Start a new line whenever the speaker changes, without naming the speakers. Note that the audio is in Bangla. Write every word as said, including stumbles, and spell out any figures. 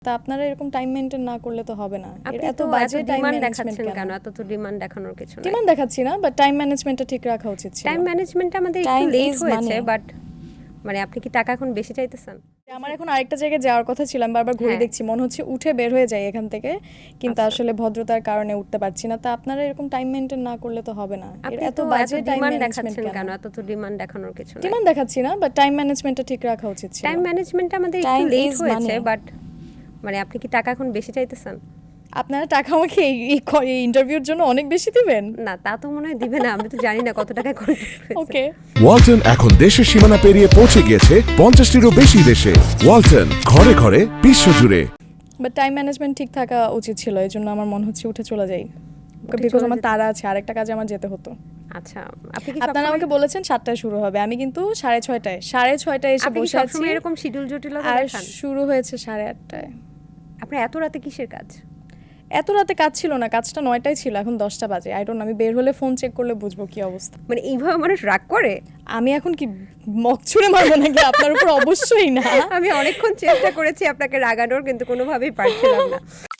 তা আপনারা এরকম টাইম মেইনটেইন না করলে তো হবে না।
আপনি
এত
তো
বাজে
এত
টাইম
ডিমান্ড
ম্যানেজমেন্ট
দেখাচ্ছেন
কেন?
কেন? এত তো ডিমান্ড দেখানোর কিছু নাই।
ডিমান্ড দেখাচ্ছি না, বাট টাইম ম্যানেজমেন্টটা ঠিক রাখা উচিত ছিল।
টাইম ম্যানেজমেন্ট আমাদের একটু
Time
লেট
is
হয়েছে,
money.
বাট মানে আপনি কি টাকা এখন বেশি চাইতেছেন?
আমার এখন আরেকটা জায়গায় যাওয়ার কথা ছিল, আমি বারবার ঘুরে
হ্যাঁ।
দেখছি, মনে হচ্ছে উঠে বের হয়ে যাই এখান থেকে, কিন্তু
আচ্ছা।
আসলে ভদ্রতার কারণে উঠতে পারছি না। তা আপনারা এরকম টাইম মেইনটেইন না করলে তো হবে না।
আপনি
এত
তো এত
বাজে টাইম
ডিমান্ড
ম্যানেজমেন্ট
দেখাচ্ছেন
কেন?
কেন? এত তো ডিমান্ড দেখানোর কিছু নাই।
ডিমান্ড দেখাচ্ছি না, বাট টাইম ম্যানেজমেন্টটা ঠিক রাখা উচিত ছিল।
টাইম ম্যানেজমেন্ট আমাদের একটু
Time
লেট
is
হয়েছে,
money.
বাট মানে আপনি কি টাকা এখন বেশি চাইতেছেন?
আপনারা টাকা আমাকে এই ইন্টারভিউর জন্য অনেক বেশি দিবেন?
না, তা তো মনে হয় দিবে না। আমি তো জানি না কত টাকায় কন্ট্রাক্ট হয়েছে।
ওকে।
ওয়ালটন এখন দেশের সীমানা পেরিয়ে পৌঁছে গিয়েছে পঞ্চাশটিরও বেশি দেশে। ওয়ালটন, ঘরে ঘরে বিশ্বজুড়ে।
বাট টাইম ম্যানেজমেন্ট ঠিক থাকা উচিত ছিল, এই জন্য আমার মনে হচ্ছে উঠে চলে যাই,
উঠে
বিকজ
চলে
আমার
যেতে-
তাড়া আছে, আরেকটা কাজে আমার যেতে হতো।
আচ্ছা, আপনি কি
আপনারা
সবসময়
আমাকে বলেছেন সাতটায় শুরু হবে, আমি কিন্তু সাড়ে ছয়টায় সাড়ে ছয়টায় এসে
আপনি কি
বসে আছি,
সবসময় এরকম শিডিউল জটিলতা
আর
দেখান?
শুরু হয়েছে সাড়ে আটটায়।
আপনার এত রাতে কিসের কাজ?
এত রাতে কাজ ছিল না, কাজটা নয়টায় ছিল, এখন দশটা বাজে। আই ডোন্ট, আমি বের হলে ফোন চেক করলে বুঝবো কি অবস্থা।
মানে এইভাবে মানুষ রাগ করে?
আমি এখন কি মক ছুঁড়ে মারবো নাকি আপনার উপর? অবশ্যই না।
আমি অনেকক্ষণ চেষ্টা করেছি আপনাকে রাগানোর, কিন্তু কোনোভাবেই পারছিলাম না।